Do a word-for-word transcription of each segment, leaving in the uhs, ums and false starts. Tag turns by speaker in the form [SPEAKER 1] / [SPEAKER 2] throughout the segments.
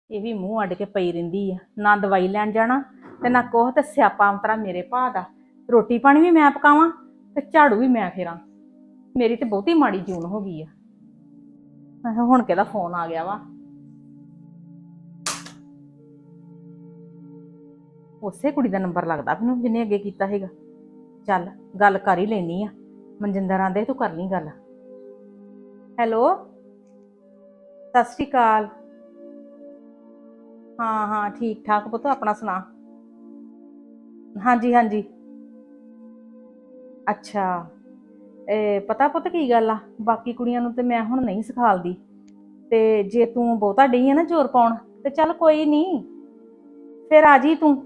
[SPEAKER 1] ਇਹ ਵੀ ਮੂੰਹ ਅੱਡ ਕੇ ਪਈ ਰਹਿੰਦੀ ਆ, ਨਾ ਦਵਾਈ ਲੈਣ ਜਾਣਾ ਤੇ ਨਾ ਕੋਹ ਤੇ ਸਿਆਪਾ ਅੰਤਰਾ ਮੇਰੇ ਭਾ ਦਾ। ਰੋਟੀ ਪਾਣੀ ਵੀ ਮੈਂ ਪਕਾਵਾਂ ਤੇ ਝਾੜੂ ਵੀ ਮੈਂ ਫੇਰਾਂ। ਮੇਰੀ ਤੇ ਬਹੁਤੀ ਮਾੜੀ ਜੂਨ ਹੋ ਗਈ ਆ। ਆਹ ਹੁਣ ਕਿਹਦਾ ਫੋਨ ਆ ਗਿਆ ਵਾ? ਉਸੇ ਕੁੜੀ ਦਾ ਨੰਬਰ ਲੱਗਦਾ ਮੈਨੂੰ ਜਿਹਨੇ ਅੱਗੇ ਕੀਤਾ ਹੈਗਾ। ਚੱਲ ਗੱਲ ਕਰ ਹੀ ਲੈਣੀ ਆ। ਮਨਜਿੰਦਰ ਆਂਦੇ ਤੂੰ ਕਰ ਲਈ ਗੱਲ। ਹੈਲੋ, ਸਤਿ ਸ਼੍ਰੀ ਅਕਾਲ। ਹਾਂ ਹਾਂ ਠੀਕ ਠਾਕ ਪੁੱਤ, ਆਪਣਾ ਸੁਣਾ। ਹਾਂਜੀ ਹਾਂਜੀ, ਅੱਛਾ। ਇਹ ਪਤਾ ਪੁੱਤ ਕੀ ਗੱਲ ਆ, ਬਾਕੀ ਕੁੜੀਆਂ ਨੂੰ ਤੇ ਮੈਂ ਹੁਣ ਨਹੀਂ ਸਿਖਾਲਦੀ, ਤੇ ਜੇ ਤੂੰ ਬਹੁਤਾ ਡਈ ਆ ਨਾ ਜ਼ੋਰ ਪਾਉਣ ਤੇ ਚੱਲ ਕੋਈ ਨਹੀਂ, ਫਿਰ ਆ ਜੀ ਤੂੰ।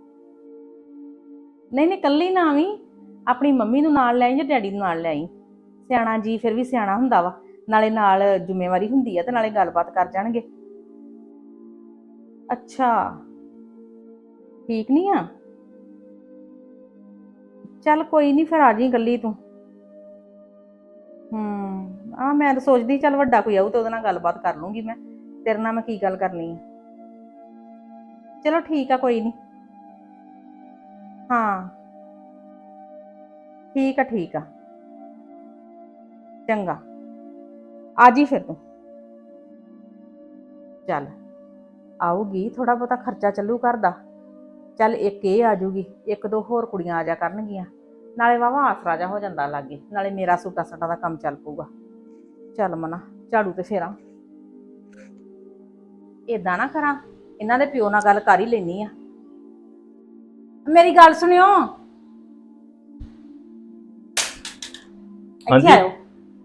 [SPEAKER 1] ਨਹੀਂ ਨਹੀਂ ਕੱਲੀ ਨਾ ਆਵੀਂ, ਆਪਣੀ ਮੰਮੀ ਨੂੰ ਨਾਲ ਲੈ ਆਈ ਜਾਂ ਡੈਡੀ ਨੂੰ ਨਾਲ ਲੈ ਆਈ। ਸਿਆਣਾ ਜੀ ਫਿਰ ਵੀ ਸਿਆਣਾ ਹੁੰਦਾ ਵਾ, ਨਾਲੇ ਨਾਲ ਜ਼ਿੰਮੇਵਾਰੀ ਹੁੰਦੀ ਆ ਤੇ ਨਾਲੇ ਗੱਲਬਾਤ ਕਰ ਜਾਣਗੇ। ਅੱਛਾ, ਠੀਕ ਨਹੀਂ ਆ? ਚੱਲ ਕੋਈ ਨਹੀਂ, ਫਿਰ ਆ ਜੀ ਇਕੱਲੀ ਤੂੰ। ਹੂੰ, ਆ ਮੈਂ ਤਾਂ ਸੋਚਦੀ ਚੱਲ ਵੱਡਾ ਕੋਈ ਆਊ ਤੇ ਉਹਦੇ ਨਾਲ ਗੱਲਬਾਤ ਕਰ ਲੂੰਗੀ ਮੈਂ। ਤੇਰੇ ਨਾਲ ਮੈਂ ਕੀ ਗੱਲ ਕਰਨੀ ਆ। ਚਲੋ ਠੀਕ ਆ, ਕੋਈ ਨਹੀਂ। ਹਾਂ ਠੀਕ ਆ ਠੀਕ ਆ, ਚੰਗਾ ਆ ਜੀ ਫਿਰ ਤੂੰ। ਚੱਲ ਆਊਗੀ, ਥੋੜਾ ਬਹੁਤਾ ਖਰਚਾ ਚੱਲੂ ਘਰ ਦਾ। ਚੱਲ ਇੱਕ ਇਹ ਆ ਜੂਗੀ, ਇੱਕ ਦੋ ਹੋਰ ਕੁੜੀਆਂ ਆ ਜਾ ਕਰਨਗੀਆਂ, ਨਾਲੇ ਵਾਵਾ ਆਸਰਾ ਜਾ ਹੋ ਜਾਂਦਾ ਲਾਗੇ, ਨਾਲੇ ਮੇਰਾ ਸੂਟਾ ਸਾਟਾ ਦਾ ਕੰਮ ਚੱਲ ਪਊਗਾ। ਚੱਲ ਮਨਾ ਝਾੜੂ ਤੇ ਫੇਰਾਂ। ਏਦਾਂ ਨਾ ਕਰਾਂ, ਇਹਨਾਂ ਦੇ ਪਿਓ ਨਾਲ ਗੱਲ ਕਰ ਹੀ ਲੈਣੀ ਆ। ਮੇਰੀ ਗੱਲ ਸੁਣਿਓ, ਇੱਥੇ
[SPEAKER 2] ਹਾਂਜੀ।
[SPEAKER 1] ਆਇਓ,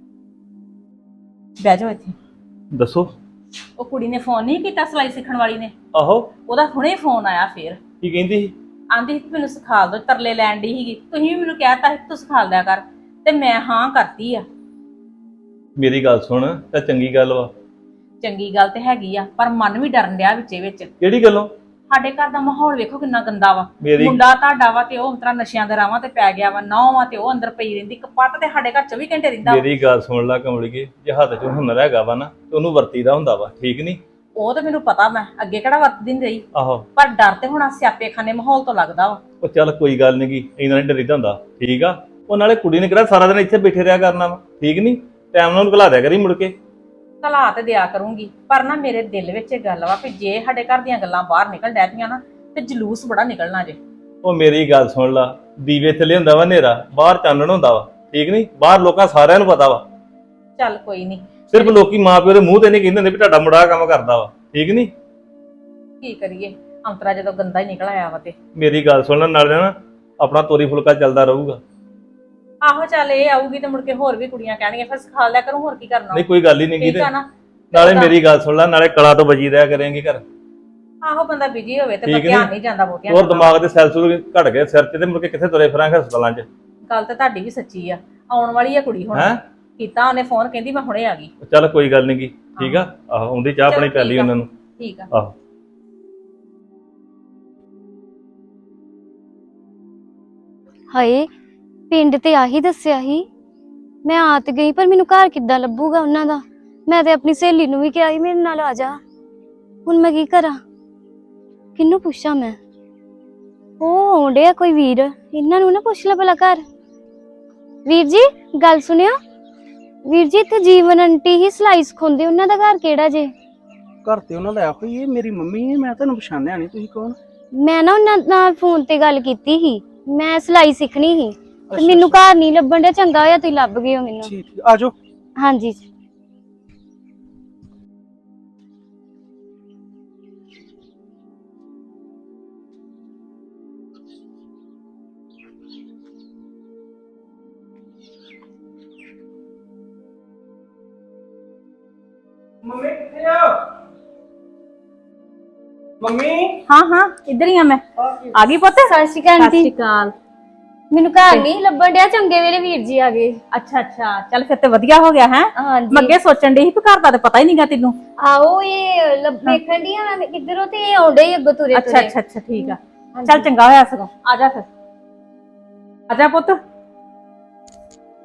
[SPEAKER 1] ਬਹਿ ਜਾਓ ਇੱਥੇ।
[SPEAKER 2] ਦੱਸੋ।
[SPEAKER 1] ਉਹ ਕੁੜੀ ਨੇ ਫੋਨ ਨਹੀਂ ਕੀਤਾ, ਸਿਲਾਈ ਸਿੱਖਣ ਵਾਲੀ ਨੇ।
[SPEAKER 2] ਆਹੋ,
[SPEAKER 1] ਉਹਦਾ ਹੁਣੇ ਫੋਨ ਆਇਆ ਫੇਰ।
[SPEAKER 2] ਕੀ ਕਹਿੰਦੀ ਸੀ?
[SPEAKER 1] ਆਂਦੀ ਸੀ ਮੈਨੂੰ ਸਿਖਾ ਦੋ, ਤਰਲੇ ਲੈਣ ਦੀ ਸੀਗੀ। ਤੁਸੀਂ ਵੀ ਮੈਨੂੰ ਕਹਿਤਾ ਸੀ ਤੂੰ ਸਿਖਾ ਦਿਆ ਕਰ, ਤੇ ਮੈਂ ਹਾਂ ਕਰਤੀ ਆ।
[SPEAKER 2] ਮੇਰੀ ਗੱਲ ਸੁਣ, ਤਾਂ ਚੰਗੀ ਗੱਲ ਵਾ।
[SPEAKER 1] ਚੰਗੀ ਗੱਲ ਤੇ ਹੈਗੀ ਆ, ਪਰ ਮਨ ਵੀ ਡਰਨ ਡਿਆ ਵਿੱਚੇ ਵਿੱਚ।
[SPEAKER 2] ਕਿਹੜੀ ਗੱਲੋਂ?
[SPEAKER 1] ਸਾਡੇ ਘਰ ਦਾ ਮਾਹੌਲ ਵੇਖੋ ਕਿੰਨਾ ਗੰਦਾ ਵਾ।
[SPEAKER 2] ਮੇਰੀ
[SPEAKER 1] ਮੁੰਡਾ ਤੁਹਾਡਾ ਵਾ ਤੇ ਉਹ ਤਰ੍ਹਾਂ ਨਸ਼ਿਆਂ ਦੇ ਰਾਵਾਂ ਤੇ ਪੈ ਗਿਆ ਵਾ, ਨੌਂ ਵਾ ਤੇ ਉਹ ਅੰਦਰ ਪਈ ਰਹਿੰਦੀ। ਕਪੱਤ ਤੇ ਸਾਡੇ ਘਰ ਚੌਵੀ ਘੰਟੇ ਰਹਿੰਦਾ ਵਾ।
[SPEAKER 2] ਮੇਰੀ ਗੱਲ ਸੁਣ ਲੈ ਕਮਲੀਏ, ਜੇ ਹੱਥ 'ਚ ਹੁਨਰ ਹੈਗਾ ਵਾ ਨਾ ਤੇ ਉਹਨੂੰ ਵਰਤੀਦਾ ਹੁੰਦਾ ਵਾ, ਠੀਕ ਨਹੀਂ?
[SPEAKER 1] ਉਹ ਤੇ ਮੈਨੂੰ ਪਤਾ, ਮੈਂ ਅੱਗੇ ਕਿਹੜਾ ਵਰਤਦੀ ਨਹੀਂ ਰਹੀ,
[SPEAKER 2] ਆਹੋ,
[SPEAKER 1] ਪਰ ਡਰ ਤੇ ਹੁਣ ਸਿਆਪੇ ਖਾਨੇ ਮਾਹੌਲ ਤੋਂ ਲੱਗਦਾ ਵਾ।
[SPEAKER 2] ਉਹ ਚੱਲ ਕੋਈ ਗੱਲ ਨੀ ਗੀ, ਇਹਨਾਂ ਨੇ ਡਰੀਦਾ ਹੁੰਦਾ, ਠੀਕ ਆ। ਉਹ ਨਾਲੇ ਕੁੜੀ ਨੇ ਕਿਹੜਾ ਸਾਰਾ ਦਿਨ ਇੱਥੇ ਬੈਠੇ ਰਿਹਾ ਕਰਨਾ ਵਾ, ਠੀਕ ਨਹੀਂ? ਟਾਈਮ ਨਾਲ ਉਹਨੂੰ ਘਲਾ ਦਿਆ ਕਰੀ ਮੁੜ ਕੇ।
[SPEAKER 1] ਘਲਾ ਤੇ ਦਿਆ ਕਰੂੰਗੀ, ਪਰ ਨਾ ਮੇਰੇ ਦਿਲ ਵਿੱਚ ਇਹ ਗੱਲ ਵਾ ਕਿ ਜੇ ਸਾਡੇ ਘਰ ਦੀਆਂ ਗੱਲਾਂ ਬਾਹਰ ਨਿਕਲ ਡੈ ਪਈਆਂ ਨਾ ਤੇ ਜਲੂਸ ਬੜਾ ਨਿਕਲਣਾ ਜੇ।
[SPEAKER 2] ਉਹ ਮੇਰੀ ਗੱਲ ਸੁਣ ਲਾ, ਦੀਵੇ ਥੱਲੇ ਹੁੰਦਾ ਵਾ ਹਨੇਰਾ, ਬਾਹਰ ਚਾਨਣ ਹੁੰਦਾ ਵਾ, ਠੀਕ ਨਹੀਂ? ਬਾਹਰ ਲੋਕਾਂ ਸਾਰਿਆਂ ਨੂੰ ਪਤਾ ਵਾ।
[SPEAKER 1] ਚੱਲ ਕੋਈ ਨਹੀਂ,
[SPEAKER 2] ਸਿਰਫ ਲੋਕੀ ਮਾਂ ਪਿਓ ਦੇ ਮੂੰਹ ਤੇ ਨਹੀਂ ਕਹਿੰਦੇ ਹੁੰਦੇ ਵੀ ਤੁਹਾਡਾ ਮੁੰਡਾ ਆਹ ਕੰਮ ਕਰਦਾ ਵਾ, ਠੀਕ ਨਹੀਂ?
[SPEAKER 1] ਕੀ ਕਰੀਏ, ਅੰਤਰਾ ਜਦੋਂ ਗੰਦਾ ਹੀ ਨਿਕਲ ਆਇਆ ਵਾ ਤੇ।
[SPEAKER 2] ਮੇਰੀ ਗੱਲ ਸੁਣਨ ਨਾਲ ਨਾ ਆਪਣਾ ਤੋਰੀ ਫੁਲਕਾ ਚੱਲਦਾ ਰਹੂਗਾ।
[SPEAKER 1] ਆਹੋ ਚੱਲ ਇਹ ਆਊਗੀ ਤੇ ਮੁੜ ਕੇ ਹੋਰ ਵੀ ਕੁੜੀਆਂ ਕਹਿਣਗੀਆਂ, ਫਿਰ ਸਿਖਾ ਲਿਆ ਕਰੂੰ, ਹੋਰ ਕੀ ਕਰਨਾ।
[SPEAKER 2] ਨਹੀਂ ਕੋਈ ਗੱਲ ਹੀ ਨਹੀਂ ਗੀ
[SPEAKER 1] ਠੀਕ
[SPEAKER 2] ਤੇ
[SPEAKER 1] ਆ ਨਾ?
[SPEAKER 2] ਨਾਲੇ ਮੇਰੀ ਗੱਲ ਸੁਣ ਲੈ, ਨਾਲੇ ਕਲਾ ਤੋਂ ਬਚੀ ਰਿਹਾ ਕਰੇਂਗੇ ਘਰ।
[SPEAKER 1] ਆਹੋ ਬੰਦਾ ਬਿਜੀ ਹੋਵੇ ਤੇ
[SPEAKER 2] ਠੀਕ
[SPEAKER 1] ਧਿਆਨ
[SPEAKER 2] ਨੀ?
[SPEAKER 1] ਨਹੀਂ ਜਾਂਦਾ ਬਹੁਤਿਆਂ
[SPEAKER 2] ਹੋਰ ਦਿਮਾਗ ਦੇ ਸੈਲ ਸੂਲ ਘਟ ਗਏ ਸਿਰ 'ਚ ਤੇ ਮੁੜ ਕੇ ਕਿੱਥੇ ਤੁਰੇ ਫਿਰਾਂਗੇ ਹਸਪਤਾਲਾਂ 'ਚ।
[SPEAKER 1] ਗੱਲ ਤਾਂ ਤੁਹਾਡੀ ਵੀ ਸੱਚੀ ਆ। ਆਉਣ ਵਾਲੀ ਆ ਕੁੜੀ ਹੁਣ।
[SPEAKER 2] ਹੈਂ?
[SPEAKER 1] ਕੀਤਾ ਉਹਨੇ ਫੋਨ, ਕਹਿੰਦੀ ਮੈਂ ਹੁਣੇ ਆ ਗਈ।
[SPEAKER 2] ਚੱਲ ਕੋਈ ਗੱਲ ਨੀ ਗੀ, ਠੀਕ ਆ। ਆਹੋ ਆਉਂਦੀ ਚਾਹ ਪਾਣੀ ਪਿਆਲੀ ਉਹਨਾਂ ਨੂੰ।
[SPEAKER 1] ਠੀਕ ਆ।
[SPEAKER 2] ਆਹੋ
[SPEAKER 3] ਹਾਏ, ਪਿੰਡ ਤੇ ਆਹੀ ਦੱਸਿਆ ਸੀ। ਮੈਂ ਆ ਤੇ ਗਈ, ਪਰ ਮੈਨੂੰ ਘਰ ਕਿੱਦਾਂ ਲੱਭੂਗਾ ਉਹਨਾਂ ਦਾ? ਮੈਂ ਤੇ ਆਪਣੀ ਸਹੇਲੀ ਨੂੰ ਵੀ ਕਿਹਾ ਸੀ ਮੇਰੇ ਨਾਲ ਆ ਜਾ। ਹੁਣ ਮੈਂ ਕੀ ਕਰਾਂ, ਕਿਹਨੂੰ ਪੁੱਛਾਂ ਮੈਂ? ਉਹ ਆਉਂਦੇ ਆ ਕੋਈ ਵੀਰ, ਇਹਨਾਂ ਨੂੰ ਨਾ ਪੁੱਛ ਲੈ ਭਲਾ ਘਰ। ਵੀਰ ਜੀ ਗੱਲ ਸੁਣਿਓ। ਵੀਰ ਜੀ ਇੱਥੇ ਜੀਵਨ ਆਂਟੀ ਹੀ ਸਿਲਾਈ ਸਿਖਾਉਂਦੇ, ਉਹਨਾਂ ਦਾ ਘਰ ਕਿਹੜਾ ਜੇ?
[SPEAKER 4] ਘਰ ਤੇ ਉਹਨਾਂ ਦਾ ਆਖੋ, ਇਹ ਮੇਰੀ ਮੰਮੀ ਹੈ। ਮੈਂ ਤੁਹਾਨੂੰ ਪਛਾਣਿਆ ਨਹੀਂ, ਤੁਸੀਂ ਕੌਣ?
[SPEAKER 3] ਮੈਂ ਨਾ ਉਹਨਾਂ ਨਾਲ ਫੋਨ ਤੇ ਗੱਲ ਕੀਤੀ ਸੀ, ਮੈਂ ਸਿਲਾਈ ਸਿੱਖਣੀ ਸੀ ਤੇ ਮੈਨੂੰ ਘਰ ਨਹੀਂ ਲੱਭਣ ਡਿਆ। ਚੰਗਾ ਹੋਇਆ ਤੁਸੀਂ ਲੱਭ ਗਏ ਹੋ ਮੈਨੂੰ।
[SPEAKER 4] ਠੀਕ ਠੀਕ, ਆ ਜਾਓ।
[SPEAKER 3] ਹਾਂਜੀ।
[SPEAKER 4] ਮੰਮੀ ਕਿੱਥੇ ਆ? ਮੰਮੀ
[SPEAKER 1] ਹਾਂ ਹਾਂ ਇੱਧਰ ਹੀ ਆ ਮੈਂ। ਆ ਗਈ ਪੁੱਤ?
[SPEAKER 3] ਸਤਿ ਸ਼੍ਰੀ ਅਕਾਲ
[SPEAKER 1] ਸਤਿ
[SPEAKER 3] ਆਂਟੀ।
[SPEAKER 1] ਸ਼੍ਰੀ ਅਕਾਲ।
[SPEAKER 3] ਮੈਨੂੰ ਘਰ ਨਹੀਂ ਲੱਭਣ ਡਿਆ, ਚੰਗੇ ਵੇਲੇ ਵੀਰ ਜੀ ਆ ਗਏ।
[SPEAKER 1] ਅੱਛਾ ਅੱਛਾ, ਚੱਲ ਫਿਰ ਤੇ ਵਧੀਆ ਹੋ ਗਿਆ ਹੈ।
[SPEAKER 3] ਹਾਂਜੀ।
[SPEAKER 1] ਮੈਂ ਅੱਗੇ ਸੋਚਣ ਡਈ ਸੀ ਕਿ ਘਰ ਦਾ ਤੇ ਪਤਾ ਹੀ ਨਹੀਂਗਾ ਤੈਨੂੰ।
[SPEAKER 3] ਆਓ ਇਹ ਲੱਭ ਵੇਖਣ ਦੀ ਆ ਮੈਂ ਕਿੱਧਰੋਂ, ਤੇ ਇਹ ਆਉਂਦੇ ਹੀ ਅੱਗੋਂ ਤੁਰੇ
[SPEAKER 1] ਅੱਛਾ
[SPEAKER 3] ਤੁਰੇ।
[SPEAKER 1] ਅੱਛਾ ਅੱਛਾ ਠੀਕ ਆ। ਚੱਲ ਚੰਗਾ ਹੋਇਆ ਸਗੋਂ, ਆ ਜਾ ਫਿਰ। ਆ ਜਾ ਪੁੱਤ,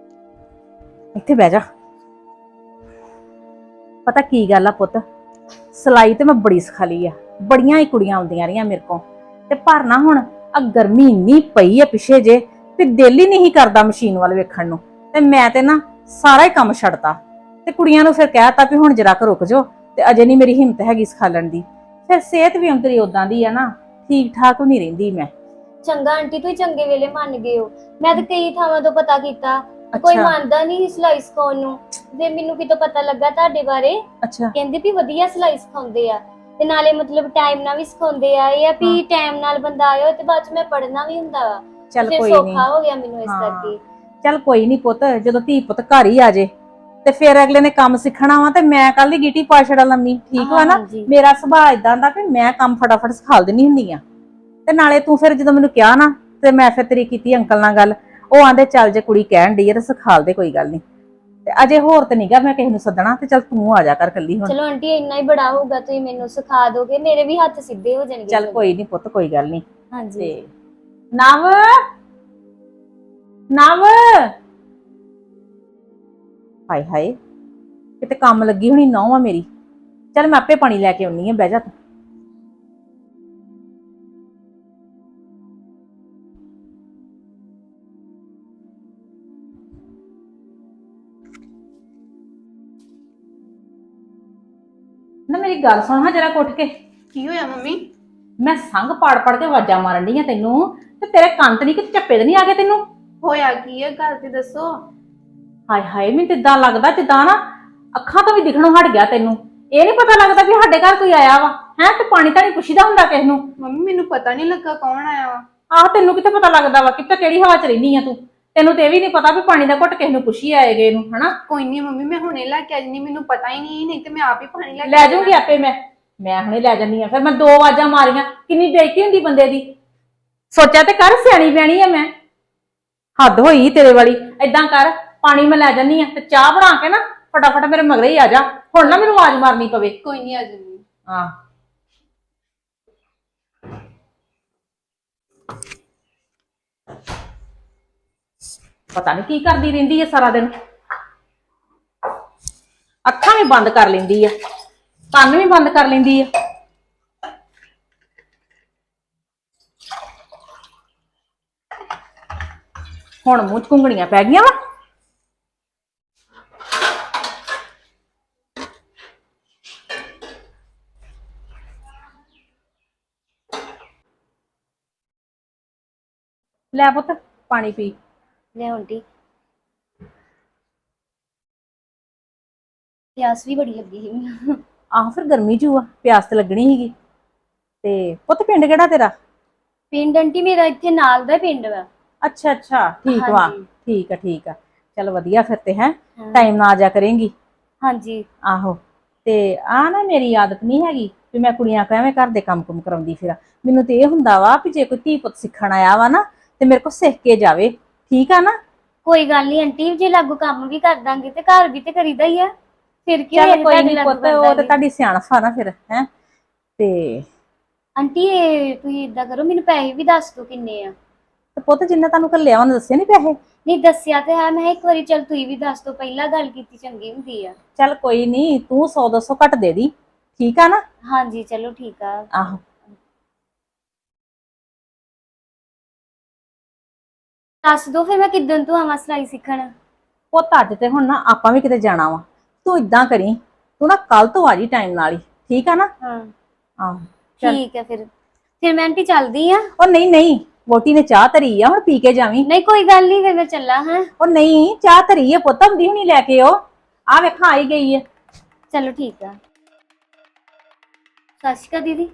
[SPEAKER 1] ਇੱਥੇ ਬਹਿ ਜਾ। ਪਤਾ ਕੀ ਗੱਲ ਆ ਪੁੱਤ, ਸਿਲਾਈ ਤੇ ਮੈਂ ਬੜੀ ਸਿਖਾ ਲਈ ਆ, ਬੜੀਆਂ ਹੀ ਕੁੜੀਆਂ ਆਉਂਦੀਆਂ ਰਹੀਆਂ ਮੇਰੇ ਕੋਲ। ਤੇ ਪਰ ਨਾ ਹੁਣ ਆ ਗਰਮੀ ਇੰਨੀ ਪਈ ਆ ਪਿੱਛੇ ਜੇ ਤੇ ਦਿਲ ਹੀ ਨਹੀਂ ਕਰਦਾ ਮਸ਼ੀਨ ਵੱਲ ਵੇਖਣ ਨੂੰ। ਤੇ ਮੈਂ ਤੇ ਨਾ ਸਾਰਾ ਹੀ ਕੰਮ ਛੱਡਤਾ ਤੇ ਕੁੜੀਆਂ ਨੂੰ ਫਿਰ ਕਹਿਤਾ ਵੀ ਹੁਣ ਜਰਾ ਕੁ ਰੁਕ ਜਾਓ, ਤੇ ਅਜੇ ਨਹੀਂ ਮੇਰੀ ਹਿੰਮਤ ਹੈਗੀ ਸਿਖਾਲਣ ਦੀ। ਫਿਰ ਸਿਹਤ ਵੀ ਅੰਤਰੀ ਉਦਾਂ ਦੀ ਆ ਨਾ, ਠੀਕ ਠਾਕ ਨਹੀਂ ਰਹਿੰਦੀ ਮੈਂ।
[SPEAKER 3] ਚੰਗਾ ਆਂਟੀ, ਤੁਸੀਂ ਚੰਗੇ ਵੇਲੇ ਮੰਨ ਗਏ ਹੋ। ਮੈਂ ਤਾਂ ਕਈ ਥਾਵਾਂ ਤੋਂ ਪਤਾ ਕੀਤਾ, ਕੋਈ ਮੰਨਦਾ ਨਹੀਂ ਸਿਲਾਈ ਸਿਖਾਉਣ ਨੂੰ। ਤੇ ਮੈਨੂੰ ਕਿਤੋਂ ਪਤਾ ਲੱਗਾ ਤੁਹਾਡੇ ਬਾਰੇ,
[SPEAKER 1] ਅੱਛਾ
[SPEAKER 3] ਕਹਿੰਦੇ ਵੀ ਵਧੀਆ ਸਿਲਾਈ ਸਿਖਾਉਂਦੇ ਆ ਤੇ ਨਾਲੇ ਮਤਲਬ ਟਾਈਮ ਨਾਲ ਵੀ ਸਿਖਾਉਂਦੇ ਆ। ਇਹ ਆ ਵੀ ਟਾਈਮ ਨਾਲ ਬੰਦਾ ਆਇਓ ਤੇ ਬਾਅਦ ਚ ਮੈਂ ਪੜ੍ਹਨਾ ਵੀ ਹੁੰਦਾ ਵਾ।
[SPEAKER 1] ਚੱਲ
[SPEAKER 3] ਫਿਰ
[SPEAKER 1] ਕੋਈ ਨਹੀਂ,
[SPEAKER 3] ਸੌਖਾ ਹੋ ਗਿਆ ਮੈਨੂੰ ਇਸ
[SPEAKER 1] ਹਾਂ।
[SPEAKER 3] ਕਰਕੇ।
[SPEAKER 1] ਚੱਲ ਕੋਈ ਨਹੀਂ ਪੁੱਤ, ਜਦੋਂ ਧੀ ਪੁੱਤ ਘਰ ਹੀ ਆ ਜੇ ਤੇ ਫਿਰ ਅਗਲੇ ਨੇ ਕੰਮ ਸਿੱਖਣਾ ਵਾ ਤੇ ਮੈਂ ਕੱਲ ਦੀ ਗੀਟੀ ਪਾ ਛੜਾ ਲੰਮੀ, ਠੀਕ ਵਾ ਨਾ।
[SPEAKER 3] ਹਾਂਜੀ।
[SPEAKER 1] ਮੇਰਾ ਸੁਭਾਅ ਇਦਾਂ ਦਾ ਕਿ ਮੈਂ ਕੰਮ ਫਟਾਫਟ ਸਿਖਾ ਦਿੰਦੀ ਹੁੰਦੀ ਆ। ਤੇ ਨਾਲੇ ਤੂੰ ਫਿਰ ਜਦੋਂ ਮੈਨੂੰ ਕਿਹਾ ਨਾ ਤੇ ਮੈਂ ਫਿਰ ਤੇਰੀ ਕੀਤੀ ਅੰਕਲ ਨਾਲ ਗੱਲ, ਉਹ ਆਂਦੇ ਚੱਲ ਜੇ ਕੁੜੀ ਕਹਿਣ ਡਈ ਆ ਤੇ ਸਿਖਾਲ ਦੇ, ਕੋਈ ਗੱਲ ਨਹੀਂ। ਤੇ ਅਜੇ ਹੋਰ ਤੇ ਨਹੀਂਗਾ ਮੈਂ ਕਿਸੇ ਨੂੰ ਸੱਦਣਾ, ਤੇ ਚੱਲ ਤੂੰ ਆ ਜਾ ਕਰ ਕੱਲੀ ਹੁਣ।
[SPEAKER 3] ਚਲੋ ਆਂਟੀ ਇੰਨਾ ਹੀ ਬੜਾ ਹੋਊਗਾ, ਤੁਸੀਂ ਮੈਨੂੰ ਸਿਖਾ ਦੋਗੇ, ਮੇਰੇ ਵੀ ਹੱਥ ਸਿੱਧੇ ਹੋ ਜਾਣਗੇ।
[SPEAKER 1] ਚੱਲ ਕੋਈ ਨਹੀਂ ਪੁੱਤ, ਕੋਈ ਗੱਲ ਨਹੀਂ।
[SPEAKER 3] ਹਾਂਜੀ।
[SPEAKER 1] ਤੇ ਨਵ ਨਵ ਹਾਏ ਹਾਏ, ਕਿਤੇ ਕੰਮ ਲੱਗੀ ਹੋਣੀ ਨਹੁੰ ਆ ਮੇਰੀ। ਚੱਲ ਮੈਂ ਆਪੇ ਪਾਣੀ ਲੈ ਕੇ ਆਉਣੀ ਆ, ਬਹਿ ਜਾ ਤੂੰ। ਨਾ ਮੇਰੀ ਗੱਲ ਸੁਣ ਹਾਂ ਜਰਾ, ਉੱਠ ਕੇ।
[SPEAKER 5] ਕੀ ਹੋਇਆ ਮੰਮੀ?
[SPEAKER 1] ਮੈਂ ਸੰਗ ਪਾੜ ਪੜ ਕੇ ਆਵਾਜ਼ਾਂ ਮਾਰਨ ਡਈ ਆ ਤੈਨੂੰ, ਤੇ ਤੇਰੇ ਕੰਨ ਤੇ ਨਹੀਂ ਕਿ ਝੱਪੇ ਤੇ ਨਹੀਂ ਆ ਗਏ ਤੈਨੂੰ?
[SPEAKER 5] ਹੋਇਆ ਕੀ ਹੈ, ਗੱਲ ਤੇ ਦੱਸੋ।
[SPEAKER 1] ਹਾਏ ਹਾਏ, ਮੈਨੂੰ ਤਿੱਦਾਂ ਲੱਗਦਾ ਜਿੱਦਾਂ ਨਾ ਅੱਖਾਂ ਤੋਂ ਵੀ ਦਿਖਣੋਂ ਹਟ ਗਿਆ ਤੈਨੂੰ। ਇਹ ਨਹੀਂ ਪਤਾ ਲੱਗਦਾ ਵੀ ਸਾਡੇ ਘਰ ਕੋਈ ਆਇਆ ਵਾ ਹੈ? ਤੇ ਪਾਣੀ ਤਾਂ ਨਹੀਂ ਪੁੱਛੀਦਾ ਹੁੰਦਾ ਕਿਸ ਨੂੰ?
[SPEAKER 5] ਮੰਮੀ ਮੈਨੂੰ ਪਤਾ ਨਹੀਂ ਲੱਗਾ ਕੌਣ ਆਇਆ ਵਾ।
[SPEAKER 1] ਆਹ ਤੈਨੂੰ ਕਿੱਥੇ ਪਤਾ ਲੱਗਦਾ ਵਾ? ਕਿੱਥੇ ਕਿਹੜੀ ਹਵਾ ਚ ਰਹਿਨੀ ਆ ਤੂੰ? ਤੈਨੂੰ ਤੇ ਇਹ ਵੀ ਨਹੀਂ ਪਤਾ ਵੀ ਪਾਣੀ ਦਾ ਘੁੱਟ ਕਿਸ ਨੂੰ ਪੁੱਛੀ ਆਏਗੇ ਇਹਨੂੰ, ਹਨਾ?
[SPEAKER 5] ਕੋਈ ਨਹੀਂ ਮੰਮੀ, ਮੈਂ ਹੁਣੇ ਲੈ ਕੇ ਆ ਜਾਨੀ, ਮੈਨੂੰ ਪਤਾ ਹੀ ਨਹੀਂ, ਨਹੀਂ ਤੇ ਮੈਂ ਆਪ ਹੀ ਪਾਣੀ ਲੈ ਕੇ
[SPEAKER 1] ਲੈ ਜਾਊਂਗੀ ਆਪੇ ਮੈਂ ਮੈਂ ਹੁਣੇ ਲੈ ਜਾਂਦੀ ਆ। ਫਿਰ ਮੈਂ ਦੋ ਆਵਾਜ਼ਾਂ ਮਾਰੀਆਂ, ਕਿੰਨੀ ਬੇਇੱਜ਼ਤੀ ਹੁੰਦੀ ਬੰਦੇ ਦੀ। ਸੋਚਿਆ ਤੇ ਕਰ, ਸਿਆਣੀ ਬਿਆਣੀ ਆ ਮੈਂ। ਹੱਦ ਹੋਈ ਤੇਰੇ ਵਾਲੀ। ਏਦਾਂ ਕਰ, ਪਾਣੀ ਮੈਂ ਲੈ ਜਾਂਦੀ ਆ ਤੇ ਚਾਹ ਬਣਾ ਕੇ ਨਾ ਫਟਾਫਟ ਮੇਰੇ ਮਗਰੇ ਹੀ ਆ ਜਾ। ਹੁਣ ਨਾ ਮੈਨੂੰ ਆਵਾਜ਼ ਮਾਰਨੀ ਪਵੇ।
[SPEAKER 5] ਕੋਈ ਨਹੀਂ, ਆ ਜਾਨੀ।
[SPEAKER 1] ਹਾਂ ਪਤਾ ਨਹੀਂ ਕੀ ਕਰਦੀ ਰਹਿੰਦੀ ਹੈ ਸਾਰਾ ਦਿਨ। ਅੱਖਾਂ ਵੀ ਬੰਦ ਕਰ ਲੈਂਦੀ ਆ, ਕੰਨ ਵੀ ਬੰਦ ਕਰ ਲੈਂਦੀ ਆ। ਹੁਣ ਮੂੰਹ ਚ ਘੁੰਗਣੀਆਂ ਪੈ ਗਈਆਂ ਵਾ। ਲੈ ਪੁੱਤ ਪਾਣੀ ਪੀ।
[SPEAKER 3] ਲੈ ਆਂਟੀ, ਪਿਆਸ ਵੀ ਬੜੀ ਲੱਗੀ ਸੀ ਮੈਨੂੰ।
[SPEAKER 1] ਆਹ ਫਿਰ ਗਰਮੀ ਚ ਆ, ਪਿਆਸ ਤੇ ਲੱਗਣੀ ਸੀਗੀ। ਤੇ ਪੁੱਤ ਪਿੰਡ ਕਿਹੜਾ ਤੇਰਾ?
[SPEAKER 3] ਪਿੰਡ ਆਂਟੀ ਮੇਰਾ ਇੱਥੇ ਨਾਲ ਦਾ ਪਿੰਡ ਵਾ।
[SPEAKER 1] ਅੱਛਾ ਅੱਛਾ, ਠੀਕ ਵਾ।
[SPEAKER 3] ਹਾਂਜੀ।
[SPEAKER 1] ਠੀਕ ਆ ਠੀਕ ਆ, ਚਲ ਵਧੀਆ ਫਿਰ ਤੇ ਹੈ।
[SPEAKER 3] ਹਾਂ।
[SPEAKER 1] ਟਾਈਮ ਨਾਲ ਆ ਜਾ ਕਰੇਂਗੀ।
[SPEAKER 3] ਹਾਂਜੀ।
[SPEAKER 1] ਆਹੋ, ਤੇ ਆ ਨਾ ਮੇਰੀ ਆਦਤ ਨਹੀਂ ਹੈਗੀ ਵੀ ਮੈਂ ਕੁੜੀਆਂ ਕੋ ਐਵੇਂ ਘਰ ਦੇ ਕੰਮ ਕੁਮ ਕਰਾਉਂਦੀ ਫਿਰਾਂ। ਮੈਨੂੰ ਤੇ ਇਹ ਹੁੰਦਾ ਵਾ ਵੀ ਜੇ ਕੋਈ ਧੀ ਪੁੱਤ ਸਿੱਖਣ ਆਇਆ ਵਾ ਨਾ ਤੇ ਮੇਰੇ ਕੋ ਸਿੱਖ ਕੇ ਜਾਵੇ, ਠੀਕ ਆ ਨਾ?
[SPEAKER 3] ਕੋਈ ਗੱਲ ਨਹੀਂ ਆਂਟੀ, ਜੇ ਲਾਗੂ ਕੰਮ ਵੀ ਕਰ ਦਾਂਗੇ ਤੇ ਘਰ ਵੀ ਤੇ ਕਰੀਦਾ ਹੀ ਆ। ਫਿਰ ਕੀ
[SPEAKER 1] ਚੱਲ
[SPEAKER 3] ਹੋਇਆ
[SPEAKER 1] ਕੋਈ
[SPEAKER 3] ਤੁਹਾਡੇ
[SPEAKER 1] ਨਹੀਂ
[SPEAKER 3] ਲਾਗੂ
[SPEAKER 1] ਪੁੱਤ,
[SPEAKER 3] ਕਰ
[SPEAKER 1] ਉਹ ਤੇ
[SPEAKER 3] ਦਾਂਗੇ।
[SPEAKER 1] ਤੁਹਾਡੀ ਸਿਆਣਪ ਆ ਨਾ ਫਿਰ, ਹੈ। ਤੇ
[SPEAKER 3] ਆਂਟੀ ਇਹ ਤੁਸੀਂ ਇਦਾਂ ਕਰੋ, ਮੈਨੂੰ ਪੈਸੇ ਵੀ ਦੱਸ ਦਿਓ ਕਿੰਨੇ ਆ।
[SPEAKER 1] ਤੇ ਪੁੱਤ ਜਿੰਨੇ ਤੁਹਾਨੂੰ ਘੱਲਿਆ ਉਹਨੇ ਦੱਸੇ ਨਹੀਂ ਪੈਸੇ?
[SPEAKER 3] ਨਹੀਂ ਦੱਸਿਆ ਤੇ ਹੈ, ਮੈਂ ਇੱਕ ਵਾਰੀ ਚੱਲ ਤੁਸੀਂ ਵੀ ਦੱਸ ਦਿਓ, ਪਹਿਲਾਂ ਗੱਲ ਕੀਤੀ ਚੰਗੀ ਹੁੰਦੀ ਆ।
[SPEAKER 1] ਚੱਲ ਕੋਈ ਨਹੀਂ, ਤੂੰ ਸੌ ਦੋ ਸੌ ਘੱਟ ਦੇ ਦੀ, ਠੀਕ ਆ ਨਾ?
[SPEAKER 3] ਹਾਂਜੀ ਚਲੋ ਠੀਕ ਆ।
[SPEAKER 1] ਆਹੋ
[SPEAKER 3] ਦੱਸ ਦੋ ਫਿਰ ਮੈਂ ਕਿੱਦਣ ਤੋਂ ਆਵਾਂ ਸਿਲਾਈ ਸਿੱਖਣ।
[SPEAKER 1] ਪੁੱਤ ਅੱਜ ਤੇ ਹੁਣ ਨਾ ਆਪਾਂ ਵੀ ਕਿਤੇ ਜਾਣਾ ਵਾ। ਤੂੰ ਇਦਾਂ ਕਰੀ, ਤੂੰ ਨਾ ਕੱਲ ਤੋਂ ਆ ਜੀ ਟਾਈਮ ਨਾਲ ਹੀ, ਠੀਕ ਆ ਨਾ?
[SPEAKER 3] ਹਾਂ
[SPEAKER 1] ਆਹੋ ਚੱਲ।
[SPEAKER 3] ਠੀਕ ਹੈ ਫਿਰ ਫਿਰ ਮੈਂ ਆਂਟੀ ਚੱਲਦੀ ਆ।
[SPEAKER 1] ਉਹ ਨਹੀਂ ਨਹੀਂ, ਵੋਟੀ ਨੇ ਚਾਹ ਧਰੀ ਆ, ਹੁਣ ਪੀ ਕੇ ਜਾਵੀਂ।
[SPEAKER 3] ਨਹੀਂ ਕੋਈ ਗੱਲ ਨਹੀਂ, ਫਿਰ ਮੈਂ ਚੱਲਾਂ। ਹਾਂ
[SPEAKER 1] ਉਹ ਨਹੀਂ, ਚਾਹ ਧਰੀ ਆ ਪੁੱਤ, ਹੁੰਦੀ ਹੁਣੀ ਲੈ ਕੇ ਉਹ ਆ ਵੇਖਾਂ ਆਈ ਗਈ ਹੈ।
[SPEAKER 3] ਚਲੋ ਠੀਕ ਆ। ਸਤਿ ਸ਼੍ਰੀ ਅਕਾਲ ਦੀਦੀ।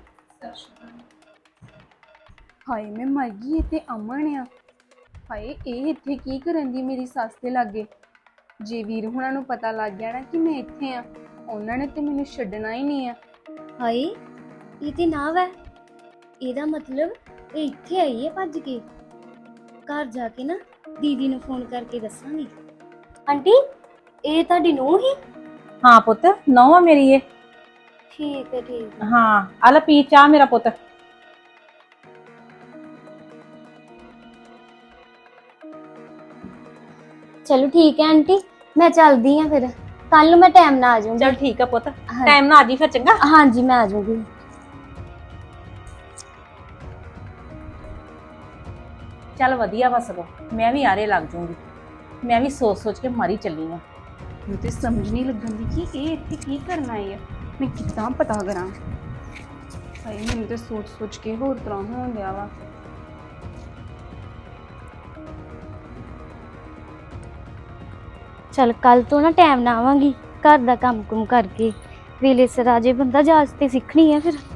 [SPEAKER 5] ਹਾਏ ਮੈਂ ਮਰ ਗਈ, ਤੇ ਅਮਨ ਆ। ਹਾਏ ਇਹ ਇੱਥੇ ਕੀ ਕਰਨ ਦੀ ਮੇਰੀ ਸੱਸ ਦੇ ਲਾਗੇ? ਜੇ ਵੀਰ ਹੁਣਾਂ ਨੂੰ ਪਤਾ ਲੱਗ ਗਿਆ ਨਾ ਕਿ ਮੈਂ ਇੱਥੇ ਆ, ਉਹਨਾਂ ਨੇ ਤੇ ਮੈਨੂੰ ਛੱਡਣਾ ਹੀ ਨਹੀਂ ਆ।
[SPEAKER 3] ਹਾਏ ਇਹ ਤੇ ਨਾ ਵੈ, ਇਹਦਾ ਮਤਲਬ ਇਹ ਇੱਥੇ ਆਈ ਹੈ ਭੱਜ ਕੇ। ਘਰ ਜਾ ਕੇ ਨਾ ਦੀਦੀ ਨੂੰ ਫੋਨ ਕਰਕੇ ਦੱਸਾਂਗੀ। ਆਂਟੀ ਇਹ ਤੁਹਾਡੀ ਨੂੰਹ ਹੀ?
[SPEAKER 1] ਹਾਂ ਪੁੱਤ, ਨਹੁੰ ਆ ਮੇਰੀ ਇਹ।
[SPEAKER 3] ਠੀਕ ਹੈ ਠੀਕ ਹੈ।
[SPEAKER 1] ਹਾਂ ਆ ਲੈ ਪੀ ਚਾਹ ਮੇਰਾ ਪੁੱਤ।
[SPEAKER 3] ਚਲੋ ਠੀਕ ਹੈ ਆਂਟੀ, ਮੈਂ ਚੱਲਦੀ ਆ ਫਿਰ। ਕੱਲ ਨੂੰ ਮੈਂ ਟਾਈਮ ਨਾਲ ਆ ਜਾਊਂਗੀ।
[SPEAKER 1] ਚਲ ਠੀਕ ਆ ਪੁੱਤ,
[SPEAKER 3] ਹਾਂ।
[SPEAKER 1] ਟਾਈਮ ਨਾਲ ਆ ਜੀ ਫਿਰ, ਚੰਗਾ।
[SPEAKER 3] ਹਾਂਜੀ ਮੈਂ ਆ ਜਾਊਂਗੀ।
[SPEAKER 1] ਚੱਲ ਵਧੀਆ ਵਾ ਸਗੋਂ, ਮੈਂ ਵੀ ਆਰੇ ਲੱਗ ਜੂੰਗੀ। ਮੈਂ ਵੀ ਸੋਚ ਸੋਚ ਕੇ ਮਾਰੀ ਚੱਲੀ ਆ।
[SPEAKER 5] ਮੈਨੂੰ ਤੇ ਸਮਝ ਨਹੀਂ ਲੱਗਣ ਦੀ ਕਿ ਇਹ ਇੱਥੇ ਕੀ ਕਰਨ ਆਈ ਹੈ। ਮੈਂ ਕਿੱਦਾਂ ਪਤਾ ਕਰਾਂ। ਹਾਏ ਮੈਨੂੰ ਤੇ ਸੋਚ ਸੋਚ ਕੇ ਹੋਰ ਤਰ੍ਹਾਂ ਹੋਣ ਡਿਆ ਵਾ।
[SPEAKER 3] ਚਲ ਕੱਲ ਤੋਂ ਨਾ ਟਾਈਮ ਨਾਲ ਆਵਾਂਗੀ, ਘਰ ਦਾ ਕੰਮ ਕੁਮ ਕਰਕੇ। ਵੇਲੇ ਸਿਰ ਆ ਜੇ ਬੰਦਾ, ਜਾਚ ਤੇ ਸਿੱਖਣੀ ਹੈ ਫਿਰ।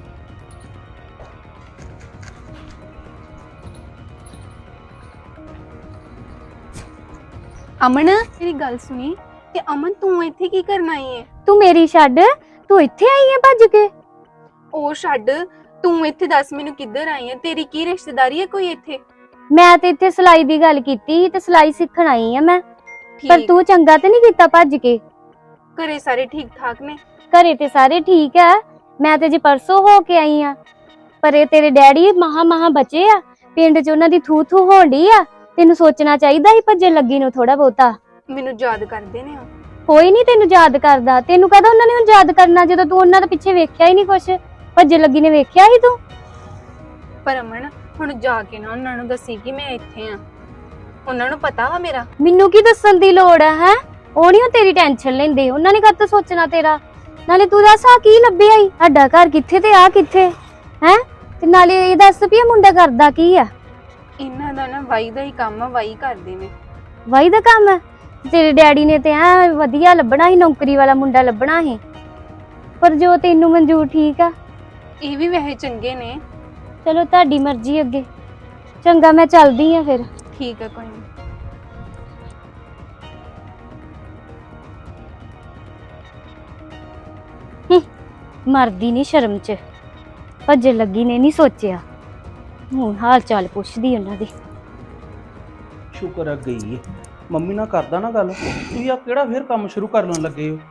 [SPEAKER 5] ਅਮਨ ਮੇਰੀ ਗੱਲ ਸੁਣੀ, ਤੇ ਅਮਨ ਤੂੰ ਇੱਥੇ ਕੀ ਕਰਨ ਆਈ ਹੈ?
[SPEAKER 3] ਤੂੰ ਮੇਰੀ ਛੱਡ, ਤੂੰ ਇੱਥੇ ਆਈ ਹੈ ਭੱਜ ਕੇ?
[SPEAKER 5] ਉਹ ਛੱਡ, ਤੂੰ ਇੱਥੇ ਦੱਸ ਮੈਨੂੰ ਕਿੱਧਰ ਆਈ ਹੈ? ਤੇਰੀ ਕੀ ਰਿਸ਼ਤੇਦਾਰੀ ਹੈ ਕੋਈ ਇੱਥੇ?
[SPEAKER 3] ਮੈਂ ਤੇ ਇੱਥੇ ਸਿਲਾਈ ਦੀ ਗੱਲ ਕੀਤੀ ਸੀ ਤੇ ਸਿਲਾਈ ਸਿੱਖਣ ਆਈ ਆ ਮੈਂ। ਪਰ
[SPEAKER 5] ਠੀਕ,
[SPEAKER 3] ਤੂੰ ਚੰਗਾ ਤੇ ਨਹੀਂ ਕੀਤਾ ਭੱਜ ਕੇ।
[SPEAKER 5] ਘਰੇ ਸਾਰੇ ਠੀਕ ਠਾਕ ਨੇ?
[SPEAKER 3] ਘਰੇ ਤੇ ਸਾਰੇ ਠੀਕ ਆ, ਮੈਂ ਤੇ ਜੀ ਪਰਸੋਂ ਹੋ ਕੇ ਆਈ ਆ। ਪਰ ਇਹ ਤੇਰੇ ਡੈਡੀ ਮਹਾ ਮਹਾ ਬਚੇ ਆ, ਪਿੰਡ 'ਚ ਉਹਨਾਂ ਦੀ ਥੂ ਥੂ ਹੋਣੀ ਆ। ਤੈਨੂੰ ਸੋਚਣਾ ਚਾਹੀਦਾ ਸੀ ਭੱਜਣ ਲੱਗੀ ਨੂੰ ਥੋੜਾ ਬਹੁਤਾ।
[SPEAKER 5] ਮੈਨੂੰ ਯਾਦ ਕਰਦੇ ਨੇ ਉਹ।
[SPEAKER 3] ਕੋਈ ਨਹੀਂ ਤੈਨੂੰ ਯਾਦ ਕਰਦਾ, ਤੈਨੂੰ ਕਹਦਾ ਉਹਨਾਂ ਨੇ ਹੁਣ ਯਾਦ ਕਰਨਾ ਜਦੋਂ ਤੂੰ ਉਹਨਾਂ ਦੇ ਪਿੱਛੇ ਵੇਖਿਆ ਹੀ ਨਹੀਂ ਕੁਛ। ਭੱਜਣ ਲੱਗੀ ਨੇ ਵੇਖਿਆ ਹੀ ਤੂੰ।
[SPEAKER 5] ਪਰ ਅਮਨ ਹੁਣ ਜਾ ਕੇ ਨਾ ਉਹਨਾਂ ਨੂੰ ਦੱਸੀ ਕਿ ਮੈਂ ਇੱਥੇ ਆ। ਉਹਨਾਂ ਨੂੰ ਪਤਾ ਵਾ ਮੇਰਾ।
[SPEAKER 3] ਮੈਨੂੰ ਕੀ ਦੱਸਣ ਦੀ ਲੋੜ ਆ ਹੈ? ਉਹ ਨਹੀਂ ਤੇਰੀ ਟੈਨਸ਼ਨ ਲੈਂਦੇ, ਉਹਨਾਂ ਨੇ ਕਦ ਸੋਚਣਾ ਤੇਰਾ। ਨਾਲੇ ਤੂੰ ਦੱਸ ਆ ਕੀ ਲੱਭਿਆ ਈ? ਸਾਡਾ ਘਰ ਕਿੱਥੇ ਤੇ ਆ ਕਿੱਥੇ ਹੈ? ਤੇ ਨਾਲੇ ਇਹ ਦੱਸ ਵੀ ਇਹ ਮੁੰਡਾ ਕਰਦਾ ਕੀ ਆ?
[SPEAKER 5] ਇਹਨਾਂ ਦਾ ਨਾ ਵਾਈ ਦਾ ਹੀ ਕੰਮ ਆ, ਵਾਈ ਕਰਦੇ ਨੇ।
[SPEAKER 3] ਵਾਈ ਦਾ ਕੰਮ ਹੈ? ਤੇਰੇ ਡੈਡੀ ਨੇ ਤੇ ਐ ਵਧੀਆ ਲੱਭਣਾ ਸੀ, ਨੌਕਰੀ ਵਾਲਾ ਮੁੰਡਾ ਲੱਭਣਾ ਸੀ। ਪਰ ਜੋ ਤੈਨੂੰ ਮਨਜ਼ੂਰ ਠੀਕ ਆ।
[SPEAKER 5] ਇਹ ਵੀ ਵੈਸੇ ਚੰਗੇ ਨੇ।
[SPEAKER 3] ਚਲੋ ਤੁਹਾਡੀ ਮਰਜ਼ੀ ਅੱਗੇ। ਚੰਗਾ ਮੈਂ ਚੱਲਦੀ ਆ ਫਿਰ।
[SPEAKER 5] ਠੀਕ ਆ, ਕੋਈ ਨਹੀਂ।
[SPEAKER 3] ਮਰਦੀ ਨਹੀਂ ਸ਼ਰਮ 'ਚ, ਭੱਜਣ ਲੱਗੀ ਨੇ ਨਹੀਂ ਸੋਚਿਆ। ਹੁਣ ਹਾਲ ਚਾਲ ਪੁੱਛਦੀ ਉਹਨਾਂ ਦੀ।
[SPEAKER 4] ਸ਼ੁਕਰ ਆ ਗਈ ਏ। ਮੰਮੀ ਨਾਲ ਕਰਦਾ ਨਾ ਗੱਲ। ਤੁਸੀਂ ਆ ਕਿਹੜਾ ਫੇਰ ਕੰਮ ਸ਼ੁਰੂ ਕਰਨ ਲੱਗੇ ਹੋ?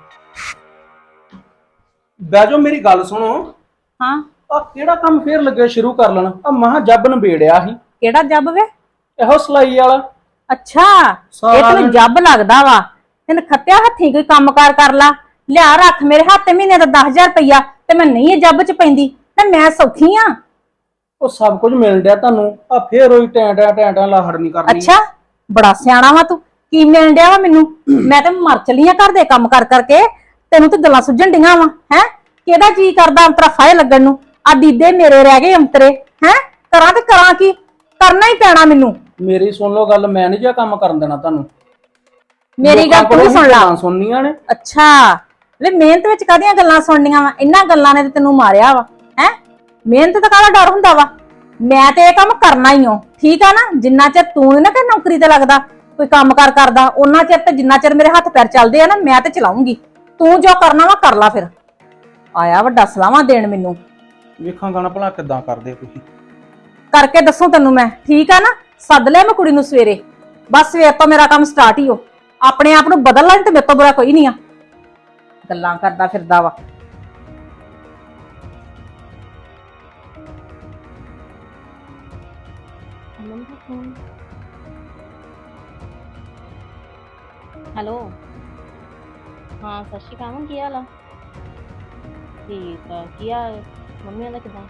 [SPEAKER 4] ਬਹਿ ਜਾਓ, ਮੇਰੀ ਗੱਲ ਸੁਣੋ।
[SPEAKER 1] ਹਾਂ,
[SPEAKER 4] ਆ ਕਿਹੜਾ ਕੰਮ ਫੇਰ ਲੱਗੇ ਸ਼ੁਰੂ ਕਰ ਲੈਣਾ? ਆ ਮਹਾ ਜੱਬ ਨਬੇੜਿਆ ਸੀ
[SPEAKER 1] ਕਿਹੜਾ ਜੱਬ ਵੇ?
[SPEAKER 4] ਇਹੋ ਸਲਾਈ ਵਾਲਾ।
[SPEAKER 1] ਅੱਛਾ, ਇਹ
[SPEAKER 4] ਸਾਰਾ
[SPEAKER 1] ਤੈਨੂੰ ਜੱਬ ਲੱਗਦਾ ਵਾ। ਤੈਨੂੰ ਖੱਤਿਆ ਹੱਥੀਂ ਕੋਈ ਕੰਮਕਾਰ ਕਰ ਲਾ, ਲਿਆ ਰੱਖ ਮੇਰੇ ਹੱਥ ਤੇ ਮਹੀਨੇ ਦਾ ਦਸ ਹਜ਼ਾਰ ਰੁਪਈਆ, ਤੇ ਮੈਂ ਨਹੀਂ ਇਹ ਜੱਬ 'ਚ ਪੈਂਦੀ ਤੇ ਮੈਂ ਸੌਖੀ ਆ।
[SPEAKER 4] ਉਹ ਸਭ ਕੁਝ ਮਿਲ ਡਿਆ ਤੁਹਾਨੂੰ, ਆ ਫੇਰ ਉਹੀ ਟੈਂ ਟੈਂ ਟੈਂ ਟੈਂ ਲਾਹੜ ਨਹੀਂ ਕਰਨੀ।
[SPEAKER 1] ਅੱਛਾ, ਬੜਾ ਸਿਆਣਾ ਵਾ ਤੂੰ। ਕੀ ਮਿਲਣ ਡਿਆ ਵਾ ਮੈਨੂੰ? ਮੈਂ ਤੇ ਮਰ ਚਲੀ ਆ ਘਰ ਦੇ ਕੰਮ ਕਰ ਕਰਕੇ, ਤੈਨੂੰ ਤੇ ਗੱਲਾਂ ਸੁਝਣ ਡੀਆਂ ਵਾ। ਹੈ ਕਿਹਦਾ ਜੀ ਕਰਦਾ ਅੰਤਰਾ ਫਾਇ ਲੱਗਣ ਨੂੰ? ਆ ਦੀਦੇ ਮੇਰੇ ਰਹਿ ਗਏ ਅੰਤਰੇ। ਹੈ ਕਰਾਂ ਤੇ ਕਰਾਂ ਕੀ? ਕਰਨਾ ਹੀ ਪੈਣਾ ਮੈਨੂੰ।
[SPEAKER 4] ਮੇਰੀ ਸੁਣ ਲਓ ਗੱਲ, ਮੈਂ ਨਹੀਂ ਜਿਹਾ ਕੰਮ ਕਰਨ ਦੇਣਾ ਤੁਹਾਨੂੰ।
[SPEAKER 1] ਮੇਰੀ ਗੱਲ ਤੂੰ ਵੀ ਸੁਣ ਲਾ।
[SPEAKER 4] ਸੁਣਨੀਆਂ ਨੇ।
[SPEAKER 1] ਅੱਛਾ ਵੇ, ਮਿਹਨਤ ਵਿੱਚ ਕਾਹਦੀਆਂ ਗੱਲਾਂ ਸੁਣਨੀਆਂ ਵਾ? ਇਹਨਾਂ ਗੱਲਾਂ ਨੇ ਤੇ ਤੈਨੂੰ ਮਾਰਿਆ ਵਾ। ਹੈ ਮਿਹਨਤ ਦਾ ਕਾਹਦਾ ਡਰ ਹੁੰਦਾ ਵਾ? ਮੈਂ ਤੇ ਇਹ ਕੰਮ ਕਰਨਾ ਹੀ ਹਾਂ, ਠੀਕ ਆ ਨਾ? ਜਿੰਨਾ ਚਿਰ ਤੂੰ ਨੀ ਨਾ ਕਿ ਨੌਕਰੀ ਤੇ ਲੱਗਦਾ, ਕੋਈ ਕੰਮ ਕਾਰ ਕਰਦਾ, ਉਹਨਾਂ ਚਿਰ ਤੇ ਜਿੰਨਾ ਚਿਰ ਮੇਰੇ ਹੱਥ ਪੈਰ ਚੱਲਦੇ ਆ ਨਾ, ਮੈਂ ਤੇ ਚਲਾਉਂਗੀ। ਤੂੰ ਜੋ ਕਰਨਾ ਵਾ ਕਰ ਲਾ। ਫਿਰ ਆਇਆ ਵੱਡਾ ਸਲਾਹਾਂ ਦੇਣ ਮੈਨੂੰ।
[SPEAKER 4] ਵੇਖਾਂ ਗਾਣਾ ਭਲਾ ਕਿੱਦਾਂ ਕਰਦੇ ਤੁਸੀਂ।
[SPEAKER 1] ਕਰਕੇ ਦੱਸੂ ਤੈਨੂੰ ਮੈਂ, ਠੀਕ ਆ ਨਾ? ਸੱਦ ਲਿਆ ਮੈਂ ਕੁੜੀ ਨੂੰ ਸਵੇਰੇ, ਬਸ ਸਵੇਰ ਤੋਂ ਮੇਰਾ ਕੰਮ ਸਟਾਰਟ ਹੀ ਹੋ। ਆਪਣੇ ਆਪ ਨੂੰ ਬਦਲ ਲੈ ਤੇ ਮੇਰੇ ਤੋਂ ਬੁਰਾ ਕੋਈ ਨਹੀਂ ਆ। ਗੱਲਾਂ ਕਰਦਾ ਫਿਰਦਾ ਵਾ।
[SPEAKER 6] ਹੈਲੋ, ਹਾਂ ਸਤਿ ਸ਼੍ਰੀ ਅਕਾਲ। ਕੀ ਹਾਲ ਆ? ਠੀਕ ਆ। ਕੀ ਹਾਲ ਮੰਮੀਆਂ ਦਾ ਕਿੱਦਾਂ?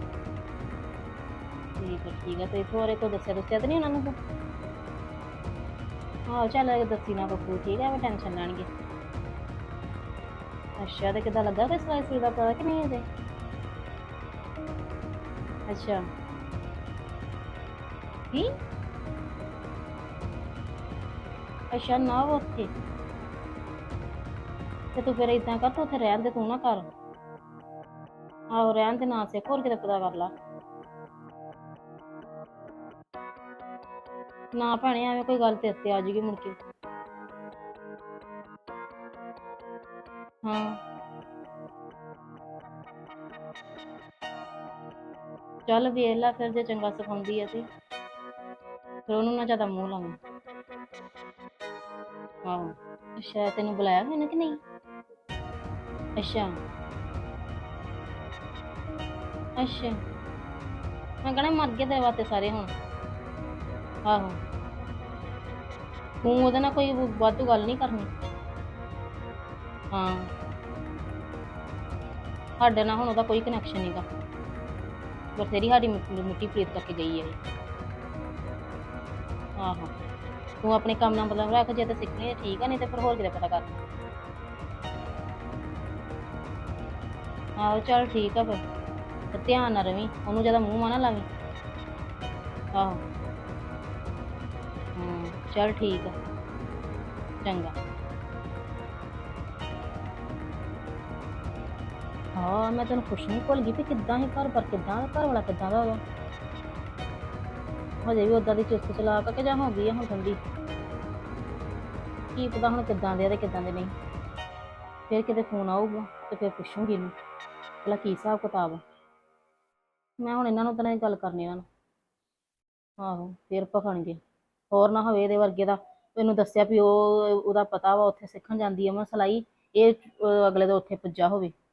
[SPEAKER 6] ਠੀਕ ਆ ਠੀਕ ਆ। ਤੇ ਇੱਥੋਂ ਬਾਰੇ ਕੋਈ ਦੱਸਿਆ ਦੱਸਿਆ ਤਾਂ ਨਹੀਂ ਉਹਨਾਂ ਨੂੰ? ਹਾਂ ਚੱਲ ਦੱਸੀ ਨਾ ਬੱਬੂ, ਠੀਕ ਆ? ਮੈਂ ਟੈਨਸ਼ਨ ਲੈਣਗੇ। ਅੱਛਾ, ਤੇ ਕਿੱਦਾਂ ਲੱਗਾ ਕੋਈ ਸਿਲਾਈ ਸਲੂਈ ਦਾ ਪਤਾ ਕਿ ਨਹੀਂ ਅਜੇ? ਅੱਛਾ ਕੀ? ਅੱਛਾ ਨਾ ਉਹ ਉੱਥੇ, ਤੇ ਤੂੰ ਫਿਰ ਏਦਾਂ ਕਰ, ਤੂੰ ਉੱਥੇ ਰਹਿਣ ਦੇ, ਤੂੰ ਨਾ ਕਰ। ਆਹੋ ਰਹਿਣ ਦੇ, ਨਾ ਸਿੱਖ, ਹੋਰ ਕਿਤੇ ਪਤਾ ਕਰ ਲਾ। ਨਾ ਭੈਣੇ ਐਵੇਂ ਕੋਈ ਗੱਲ ਤੇਰੇ ਤੇ ਆ ਜੂਗੀ ਮੁੜ ਕੇ। ਹਾਂ ਚੱਲ ਵੇਖ ਲੈ ਫਿਰ, ਜੇ ਚੰਗਾ ਸਿਖਾਉਂਦੀ ਆ ਤੇ ਫਿਰ ਉਹਨੂੰ ਨਾ ਜ਼ਿਆਦਾ ਮੂੰਹ ਲਾਉਂ। ਆਹੋ ਅੱਛਾ, ਤੈਨੂੰ ਬੁਲਾਇਆ ਹੋਇਆ ਨਾ ਕਿ ਨਹੀਂ? ਅੱਛਾ ਅੱਛਾ, ਮੈਂ ਕਹਣਾ ਮਰ ਗਏ ਤੇਰੇ ਵਾਸਤੇ ਸਾਰੇ ਹੁਣ। ਆਹੋ ਤੂੰ ਉਹਦੇ ਨਾਲ ਕੋਈ ਵਾਧੂ ਗੱਲ ਨਹੀਂ ਕਰਨੀ। ਹਾਂ ਸਾਡੇ ਨਾਲ ਹੁਣ ਉਹਦਾ ਕੋਈ ਕਨੈਕਸ਼ਨ ਨਹੀਂਗਾ, ਬਥੇਰੀ ਸਾਡੀ ਮਿੱਟੀ ਮਿੱਟੀ ਪ੍ਰੀਤ ਕਰਕੇ ਗਈ ਹੈ ਇਹ। ਆਹੋ ਤੂੰ ਆਪਣੇ ਕੰਮ ਨਾਲ ਮਤਲਬ ਰੱਖ, ਜੇ ਤਾਂ ਸਿੱਖਣੀ ਹੈ ਠੀਕ ਆ, ਨਹੀਂ ਤੇ ਫਿਰ ਹੋਰ ਕਿਤੇ ਪਤਾ ਕਰ। ਆਹੋ ਚੱਲ ਠੀਕ ਆ ਫਿਰ, ਤੇ ਧਿਆਨ ਨਾਲ ਰਵੀਂ, ਉਹਨੂੰ ਜ਼ਿਆਦਾ ਮੂੰਹ ਮਾ ਨਾ ਲਾਵੀਂ। ਆਹੋ ਹੂੰ ਚੱਲ ਠੀਕ ਆ, ਚੰਗਾ। ਹਾਂ ਮੈਂ ਤੈਨੂੰ ਪੁੱਛਣੀ ਭੁੱਲ ਗਈ ਵੀ ਕਿੱਦਾਂ ਹੀ ਘਰ ਪਰ ਕਿੱਦਾਂ ਦਾ ਘਰ ਵਾਲਾ ਕਿੱਦਾਂ ਦਾ ਉਹਦਾ, ਹਜੇ ਵੀ ਉਦਾਂ ਦੀ ਚੁਸਤ ਚਲਾਕ ਕਿ ਜਾਂ ਹੋ ਗਈ ਆ ਹੁਣ ਠੰਡੀ, ਕੀ ਪਤਾ ਹੁਣ ਕਿੱਦਾਂ ਦੇ ਆ ਤੇ ਕਿੱਦਾਂ ਦੇ ਨਹੀਂ। ਫਿਰ ਕਿਤੇ ਫੋਨ ਆਊਗਾ ਤੇ ਫਿਰ ਪੁੱਛੂੰਗੀ ਇਹਨੂੰ ਭਲਾ ਕੀ ਹਿਸਾਬ ਕਿਤਾਬ ਆ। ਮੈਂ ਹੁਣ ਇਹਨਾਂ ਨੂੰ ਤਾਂ ਨਹੀਂ ਗੱਲ ਕਰਨੀ ਇਹਨਾਂ ਨੂੰ, ਆਹੋ ਫਿਰ ਭਖਣਗੇ। ਹੋਰ ਨਾ ਹੋਵੇ ਇਹਦੇ ਵਰਗੇ ਦਾ ਇਹਨੂੰ ਦੱਸਿਆ ਵੀ ਉਹ ਉਹਦਾ ਪਤਾ ਵਾ ਉੱਥੇ ਸਿੱਖਣ ਜਾਂਦੀ ਆ ਮੈਂ ਸਿਲਾਈ, ਇਹ ਅਹ ਅਗਲੇ ਦਾ ਉੱਥੇ ਪੁੱਜਾ ਹੋਵੇ।